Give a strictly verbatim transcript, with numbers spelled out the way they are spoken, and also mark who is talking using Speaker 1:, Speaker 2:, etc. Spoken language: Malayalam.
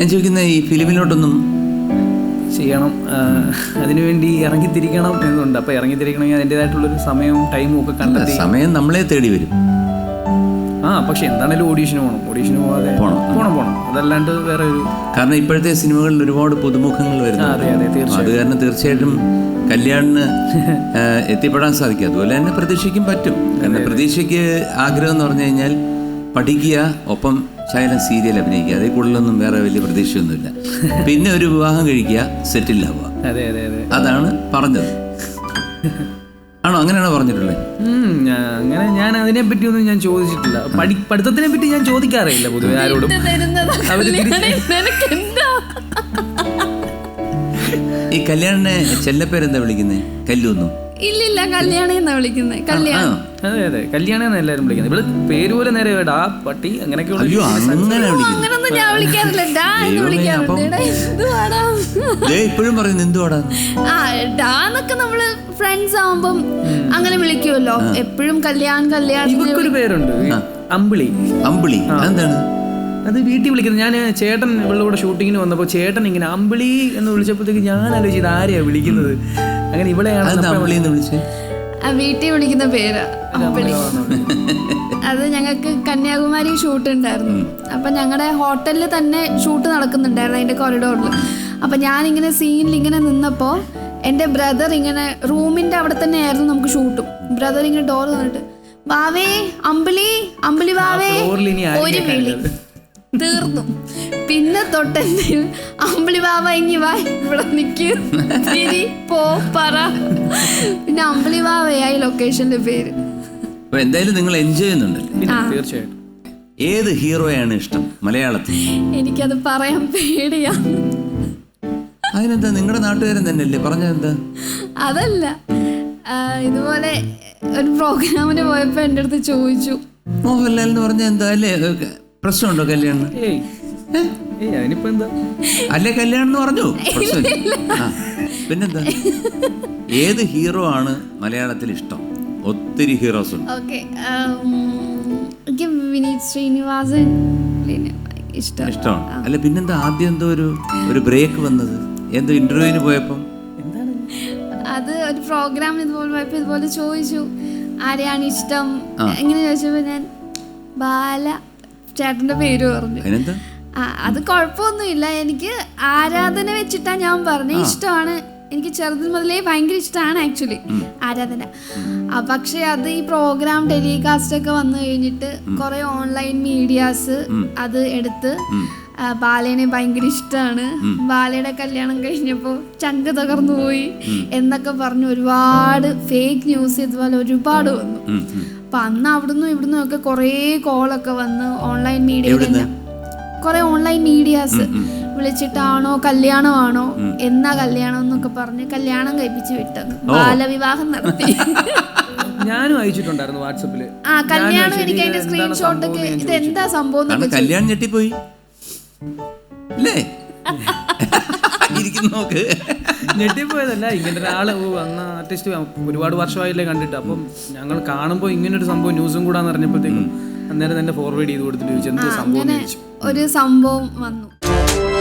Speaker 1: ഞാൻ ചോദിക്കുന്ന ഈ ഫിലിമിലോട്ടൊന്നും
Speaker 2: ചെയ്യണം, അതിനുവേണ്ടി ഇറങ്ങിത്തിരിക്കണം എന്നുണ്ട്. അപ്പോൾ ഇറങ്ങിത്തിരിക്കണമെങ്കിൽ അതിൻ്റെതായിട്ടുള്ളൊരു സമയവും ടൈമും ഒക്കെ കണ്ടെത്തി.
Speaker 1: സമയം നമ്മളെ തേടി വരും.
Speaker 2: ആ പക്ഷെ എന്താണേലും ഓഡീഷന് പോകണം, ഓഡീഷന് പോകാതെ
Speaker 1: പോകണം
Speaker 2: പോകണം പോകണം അതല്ലാണ്ട് വേറെ ഒരു,
Speaker 1: കാരണം ഇപ്പോഴത്തെ സിനിമകളിൽ ഒരുപാട് പുതുമുഖങ്ങൾ വരുന്നു.
Speaker 2: അതെ അതെ തീർച്ചയായും.
Speaker 1: അത് കാരണം തീർച്ചയായിട്ടും കല്യാണിന് എത്തിപ്പെടാൻ സാധിക്കും. അതുപോലെ തന്നെ പ്രതീക്ഷയ്ക്കും പറ്റും. കാരണം പ്രതീക്ഷയ്ക്ക് ആഗ്രഹം എന്ന് പറഞ്ഞു കഴിഞ്ഞാൽ പഠിക്കുക, ഒപ്പം ശകലം സീരിയൽ അഭിനയിക്കുക, അതേ കൂടുതലൊന്നും വേറെ വലിയ പ്രതീക്ഷയൊന്നുമില്ല. പിന്നെ ഒരു വിവാഹം കഴിക്കുക, സെറ്റിൽ ആവുക.
Speaker 2: അതെ അതെ അതെ
Speaker 1: അതാണ് പറഞ്ഞത്. ആണോ? അങ്ങനെയാണോ പറഞ്ഞിട്ടുള്ളത്?
Speaker 2: അങ്ങനെ ഞാൻ അതിനെ പറ്റി ഒന്നും ഞാൻ ചോദിച്ചിട്ടില്ല. പഠി പഠിത്തത്തിനെ പറ്റി ഞാൻ ചോദിക്കാറില്ല പൊതുവെ ആരോടും.
Speaker 1: ഈ കല്യാണിനെ ചെല്ലപ്പേരെന്താ വിളിക്കുന്നത്? കല്ലൂന്നു?
Speaker 3: ഇല്ലില്ല, കല്യാണി എന്നാ വിളിക്കുന്നത്. കല്യാണം.
Speaker 2: അതെ അതെ കല്യാണി എന്നാ എല്ലാരും വിളിക്കുന്നത്. ഇവിടെ പേര് പോലെ നേരെ ഡാ പട്ടി അങ്ങനെയൊക്കെ.
Speaker 3: അങ്ങനൊന്നും ഞാൻ വിളിക്കാറില്ല. ഡാ എന്ന് വിളിക്കാറുണ്ട്.
Speaker 1: ഇപ്പോഴും പറയുന്നത് എന്തുവാടാ?
Speaker 3: ആ ഡാ എന്നൊക്കെ നമ്മള് ഫ്രണ്ട്സ് ആവുമ്പം അങ്ങനെ വിളിക്കുമല്ലോ. എപ്പോഴും കല്യാൺ കല്യാൺ.
Speaker 2: ഇവക്കൊരു പേരുണ്ട്, അമ്പിളി.
Speaker 1: അമ്പിളി എന്താണ്?
Speaker 2: അത് വീട്ടിൽ വിളിക്കുന്നത്. ഞാൻ ചേട്ടൻ ഇവളുടെ കൂടെ ഷൂട്ടിങ്ങിന് വന്നപ്പോൾ ചേട്ടൻ ഇങ്ങനെ അമ്പിളി എന്ന് വിളിച്ചപ്പോഴത്തേക്ക് ഞാൻ ആലോചിച്ചത് ആരെയാ വിളിക്കുന്നത്. അങ്ങനെ ഇവളെയാണ്
Speaker 3: വീട്ടിൽ വിളിക്കുന്ന പേര് അമ്പിളി. അത് ഞങ്ങൾക്ക് കന്യാകുമാരി ഷൂട്ട് ഉണ്ടായിരുന്നു. അപ്പം ഞങ്ങളുടെ ഹോട്ടലിൽ തന്നെ ഷൂട്ട് നടക്കുന്നുണ്ടായിരുന്നു, അതിൻ്റെ കോറിഡോറിൽ. അപ്പം ഞാനിങ്ങനെ സീനിൽ ഇങ്ങനെ നിന്നപ്പോൾ എൻ്റെ ബ്രദർ ഇങ്ങനെ റൂമിൻ്റെ അവിടെ തന്നെ ആയിരുന്നു നമുക്ക് ഷൂട്ടും. ബ്രദർ ഇങ്ങനെ ഡോർ നിന്നിട്ട് വാവേ അമ്പിളി അമ്പിളി വാവേ ഒരു വിളി തീർന്നു. പിന്നെ തൊട്ടെന്ത് അമ്പിളി ബാബ ഇങ്ങി വാ ഇവിടെ നിക്ക് പോ പറ. പിന്നെ അമ്പിളി ബാബയായി ലൊക്കേഷന്റെ പേര്.
Speaker 1: എന്തായാലും നിങ്ങൾ എൻജോയ് ചെയ്യുന്നുണ്ടല്ലേ?
Speaker 2: തീർച്ചയായിട്ടും.
Speaker 1: ഏത് ഹീറോയാണ് ഇഷ്ടം മലയാളത്തിൽ?
Speaker 3: എനിക്കത് പറയാൻ പേടിയാ.
Speaker 1: അതിനെന്താ, നിങ്ങളുടെ നാട്ടുകാരൻ തന്നെയല്ലേ പറഞ്ഞതെന്താ?
Speaker 3: അതല്ല, ഇതുപോലെ ഒരു പ്രോഗ്രാമിന് പോയപ്പോ എൻ്റെ അടുത്ത് ചോദിച്ചു
Speaker 1: മോഹൻലാൽ എന്ന് പറഞ്ഞ എന്താ അല്ലേ? പ്രശ്നമുണ്ടോ കല്യാണം? അല്ലേ കല്യാണം എന്ന് പറഞ്ഞു പിന്നെന്താ? ഏത് ഹീറോ ആണ് മലയാളത്തിൽ ഇഷ്ടം? ഒത്തിരി ഹീറോസ് ഉണ്ട്.
Speaker 3: ഓക്കെ, എനിക്ക് വിനീത് ശ്രീനിവാസൻ
Speaker 1: ഇഷ്ടമാണ്. അല്ല പിന്നെന്താ ആദ്യം എന്തോ ഒരു ഒരു ബ്രേക്ക് വന്നത്? എന്തോ ഇന്റർവ്യൂവിന് പോയപ്പം
Speaker 3: അത് ഒരു പ്രോഗ്രാമിന് ഇതുപോലെ പോയപ്പോ ഇതുപോലെ ചോദിച്ചു ആരെയാണ് ഇഷ്ടം എങ്ങനെ ചോദിച്ചപ്പോ ഞാൻ ബാല ചേട്ടന്റെ പേര് പറഞ്ഞു. ആ അത് കുഴപ്പമൊന്നുമില്ല, എനിക്ക് ആരാധന വെച്ചിട്ടാ ഞാൻ പറഞ്ഞു. ഇഷ്ടമാണ്, എനിക്ക് ചെറുതിൽ മുതലേ ഭയങ്കര ഇഷ്ടമാണ് ആക്ച്വലി ആരാധന. പക്ഷെ അത് ഈ പ്രോഗ്രാം ടെലികാസ്റ്റ് ഒക്കെ വന്നു കഴിഞ്ഞിട്ട് കുറെ ഓൺലൈൻ മീഡിയാസ് അത് എടുത്ത് ബാലേനെ ഭയങ്കര ഇഷ്ടമാണ്, ബാലയുടെ കല്യാണം കഴിഞ്ഞപ്പോൾ ചങ്ക് തകർന്നു പോയി എന്നൊക്കെ പറഞ്ഞ് ഒരുപാട് ഫേക്ക് ന്യൂസ് ഇതുപോലെ ഒരുപാട് വന്നു. അപ്പൊ അന്ന് അവിടുന്ന് ഇവിടുന്നും ഒക്കെ കുറേ കോളൊക്കെ വന്ന് ഓൺലൈൻ മീഡിയയിൽ തന്നെ കുറെ ഓൺലൈൻ മീഡിയാസ് വിളിച്ചിട്ടാണോ കല്യാണമാണോ എന്നാ കല്യാണം എന്നൊക്കെ പറഞ്ഞ് കല്യാണം കഴിപ്പിച്ച് വിട്ടത്, ബാലവിവാഹം നടത്തി.
Speaker 2: ഞാനും അയച്ചിട്ടുണ്ടായിരുന്നു വാട്സാപ്പില്
Speaker 3: ആ കല്യാണം. എനിക്ക് അതിന്റെ സ്ക്രീൻഷോട്ട് ഒക്കെ ഇത് എന്താ സംഭവം
Speaker 1: കല്യാണം ഞെട്ടിപ്പോയി അല്ലേ?
Speaker 2: ഞെട്ടിപ്പോയതല്ല, ഇങ്ങനെ ഒരാള് അന്ന് ആർട്ടിസ്റ്റ് ഒരുപാട് വർഷമായില്ലേ കണ്ടിട്ട്. അപ്പം ഞങ്ങൾ കാണുമ്പോൾ ഇങ്ങനൊരു സംഭവം ന്യൂസും കൂടാന്ന് അറിഞ്ഞപ്പോഴത്തേക്കും അന്നേരം തന്നെ ഫോർവേഡ് ചെയ്ത് കൊടുത്തിട്ട് ചോദിച്ചു എന്ത് സംഭവം
Speaker 3: ഒരു സംഭവം വന്നു.